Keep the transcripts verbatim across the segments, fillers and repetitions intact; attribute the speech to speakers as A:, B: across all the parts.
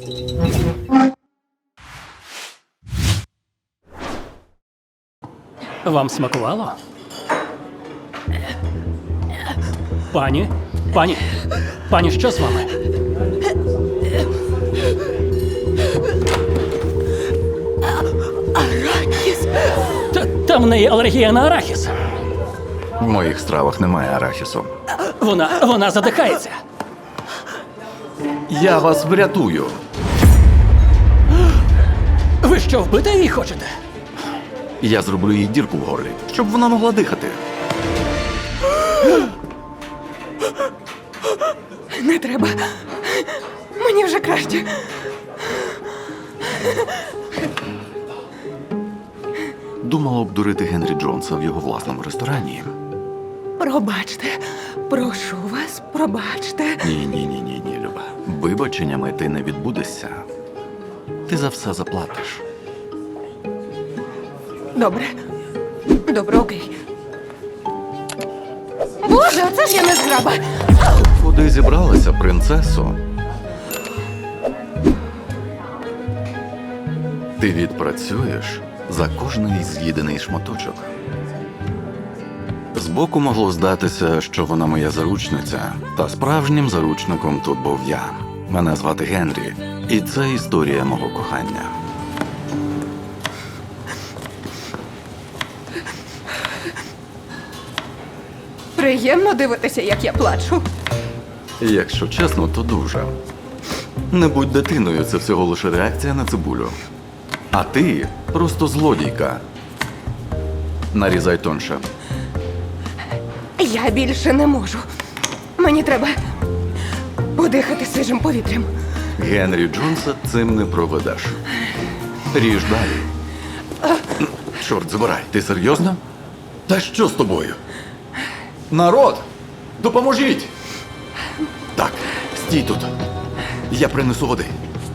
A: Вам смакувало? Пані? Пані? Пані, що з вами?
B: Арахіс.
A: Та, та в неї алергія на арахіс.
C: В моїх стравах немає арахісу.
A: Вона, вона задихається.
C: Я вас врятую.
A: Ви що, вбити її хочете?
C: Я зроблю їй дірку в горлі, щоб вона могла дихати.
B: Не треба. Мені вже краще.
C: Думала обдурити Генрі Джонса в його власному ресторані.
B: Пробачте. Прошу вас, пробачте.
C: Ні, ні, ні, ні, ні, Люба. Вибаченнями ти не відбудешся. Ти за все заплатиш.
B: Добре. Добре, окей. Боже, оце ж я не зграба.
C: Куди зібралася, принцесо? Ти відпрацюєш за кожний з'їдений шматочок. Збоку могло здатися, що вона моя заручниця, та справжнім заручником тут був я. Мене звати Генрі, і це історія мого кохання.
B: Приємно дивитися, як я плачу.
C: Якщо чесно, то дуже. Не будь дитиною, це всього лише реакція на цибулю. А ти просто злодійка. Нарізай тонше.
B: Я більше не можу. Мені треба подихати свіжим повітрям.
C: Генрі Джонса цим не проведеш. Ріж далі. Чорт забирай, ти серйозно? Та що з тобою? Народ! Допоможіть! Так, стій тут. Я принесу води.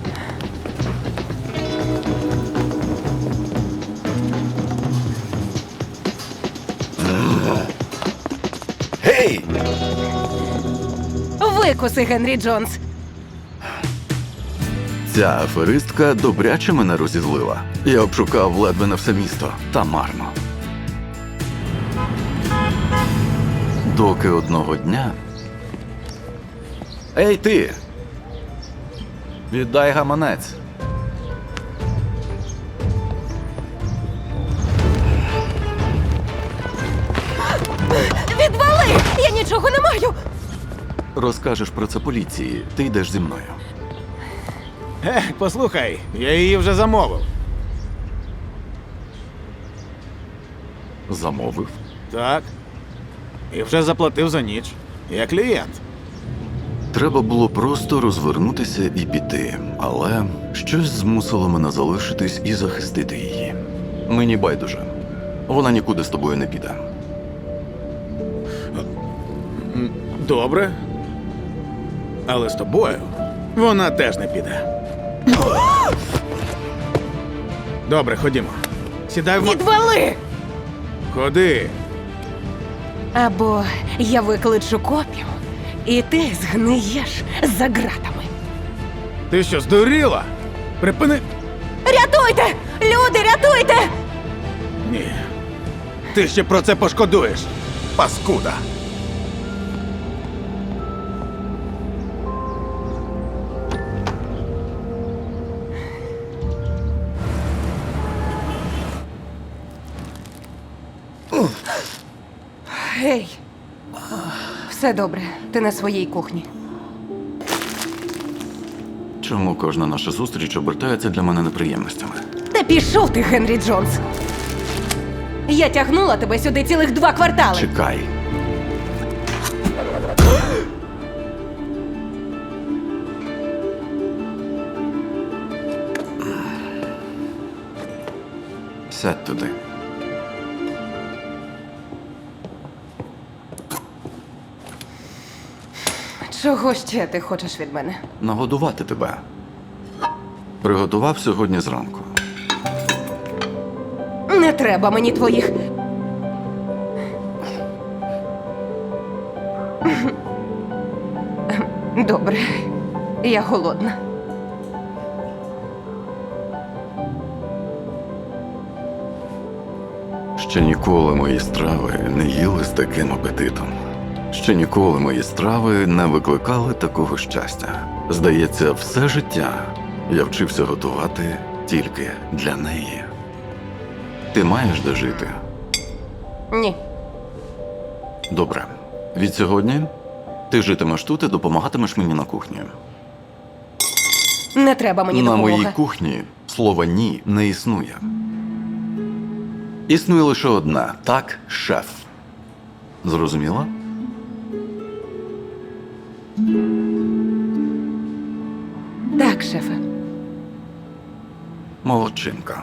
C: Гей!
B: Викуси, Генрі Джонс.
C: Ця аферистка добряче мене розізлила. Я обшукав ледве на все місто, та марно. Доки одного дня... Ей, ти! Віддай гаманець.
B: Відвали! Я нічого не маю!
C: Розкажеш про це поліції, ти йдеш зі мною.
D: Е, послухай, я її вже замовив.
C: Замовив.
D: Так. І вже заплатив за ніч. Я клієнт.
C: Треба було просто розвернутися і піти, але щось змусило мене залишитись і захистити її. Мені байдуже. Вона нікуди з тобою не піде.
D: Добре. Але з тобою вона теж не піде. Добре, ходімо. Сідай в мо...
B: Відвали!
D: Ходи.
B: Або я викличу копів, і ти згниєш за ґратами.
D: Ти що, здуріла? Припини.
B: Рятуйте! Люди, рятуйте!
D: Ні. Ти ще про це пошкодуєш, паскуда.
B: Гей! Все добре, ти на своїй кухні.
C: Чому кожна наша зустріч обертається для мене неприємностями?
B: Та пішов ти, Генрі Джонс! Я тягнула тебе сюди цілих два квартали.
C: Чекай. Сядь туди.
B: Чого ще ти хочеш від мене?
C: Нагодувати тебе. Приготував сьогодні зранку.
B: Не треба мені твоїх. Добре, я голодна.
C: Ще ніколи мої страви не їли з таким апетитом. Ще ніколи мої страви не викликали такого щастя. Здається, все життя я вчився готувати тільки для неї. Ти маєш де жити?
B: Ні.
C: Добре. Від сьогодні ти житимеш тут і допомагатимеш мені на кухні.
B: Не треба мені
C: На
B: допомоги.
C: моїй кухні слова «ні» не існує. Існує лише одна – так, шеф. Зрозуміла?
B: Так, шефе.
C: Молодчинка.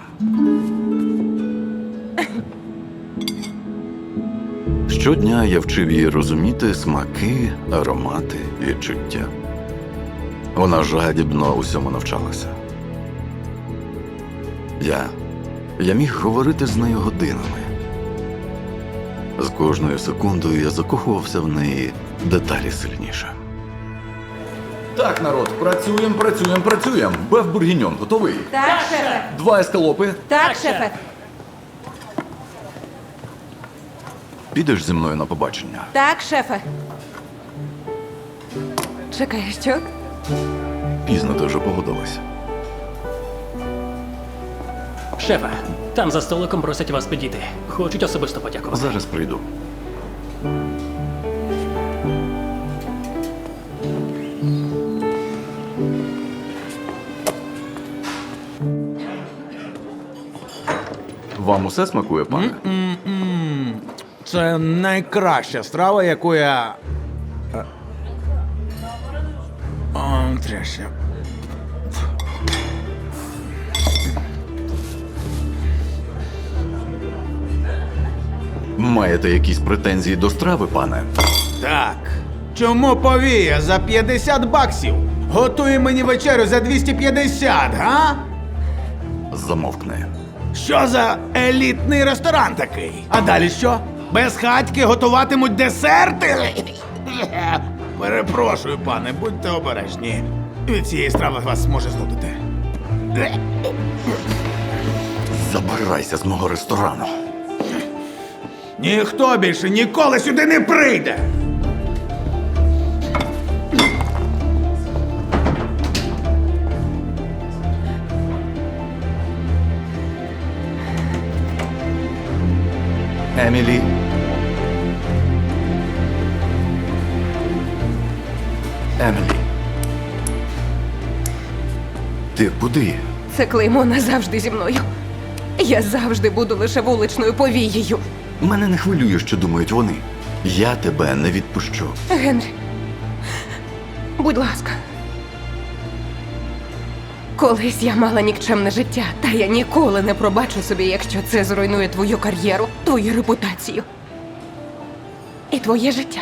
C: Щодня я вчив її розуміти смаки, аромати, відчуття. Вона жадібно усьому навчалася. Я... Я міг говорити з нею годинами. З кожною секундою я закохувався в неї деталі сильніше. Так, народ, працюємо, працюємо, працюємо. Беф бургіньон готовий?
B: Так, шефе.
C: Два ескалопи.
B: Так, шефе.
C: Підеш зі мною на побачення?
B: Так, шефе. Чекай, що?
C: Пізно ти вже погодилась.
A: Шефе, там за столиком просять вас підійти. Хочуть особисто подякувати.
C: Зараз прийду. Вам усе смакує, пане?
D: Це найкраща страва, яку я. Е. О, трясся.
C: Маєте якісь претензії до страви, пане?
D: Так. Чому повія за п'ятдесят баксів? Готує мені вечерю за двісті п'ятдесят, га?
C: Замовкни.
D: Що за елітний ресторан такий? А далі що? Без хатьки готуватимуть десерти? Перепрошую, пане, будьте обережні. Від цієї страви вас може знудити.
C: Забирайся з мого ресторану.
D: Ніхто більше ніколи сюди не прийде!
C: Емілі. Емілі. Ти куди?
B: Це клеймо назавжди зі мною. Я завжди буду лише вуличною повією.
C: Мене не хвилює, що думають вони. Я тебе не відпущу.
B: Генрі, будь ласка. Колись я мала нікчемне життя, та я ніколи не пробачу собі, якщо це зруйнує твою кар'єру, твою репутацію і твоє життя.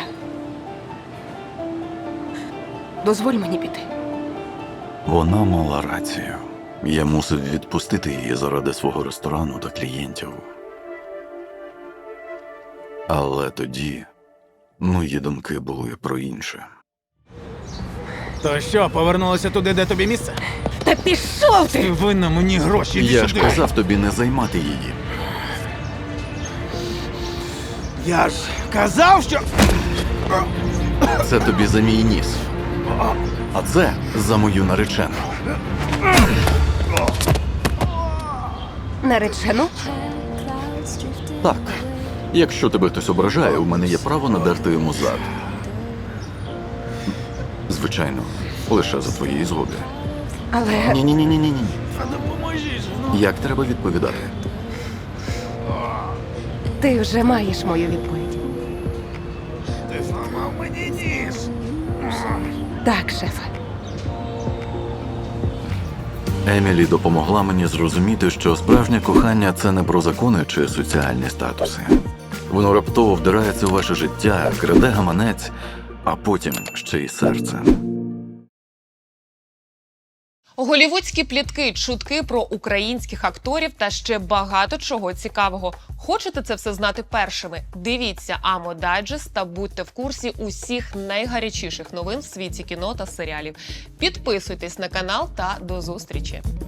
B: Дозволь мені піти.
C: Вона мала рацію. Я мусив відпустити її заради свого ресторану та клієнтів. Але тоді мої думки були про інше.
D: То що, повернулася туди, де тобі місце?
B: Та пішов
D: Ти
B: ти!
D: винна мені гроші. іди
C: Я ж
D: сюди.
C: казав тобі не займати її.
D: Я ж казав, що.
C: Це тобі за мій ніс. А це за мою наречену.
B: Наречену?
C: Так. Якщо тебе хтось ображає, у мене є право надерти йому зад. Звичайно, лише за твоєї згоди.
B: Але
C: Ні-ні-ні-ні-ні.
D: Допоможіть.
C: Як треба відповідати?
B: ти вже маєш мою відповідь.
D: Ти зламав мені ніс.
B: Так, шефе.
C: Емілі допомогла мені зрозуміти, що справжнє кохання – це не про закони чи соціальні статуси. Воно раптово вдирається у ваше життя, краде гаманець, а потім ще й серце.
E: Голівудські плітки, чутки про українських акторів та ще багато чого цікавого. Хочете це все знати першими? Дивіться Амо Дайджест та будьте в курсі усіх найгарячіших новин в світі кіно та серіалів. Підписуйтесь на канал та до зустрічі!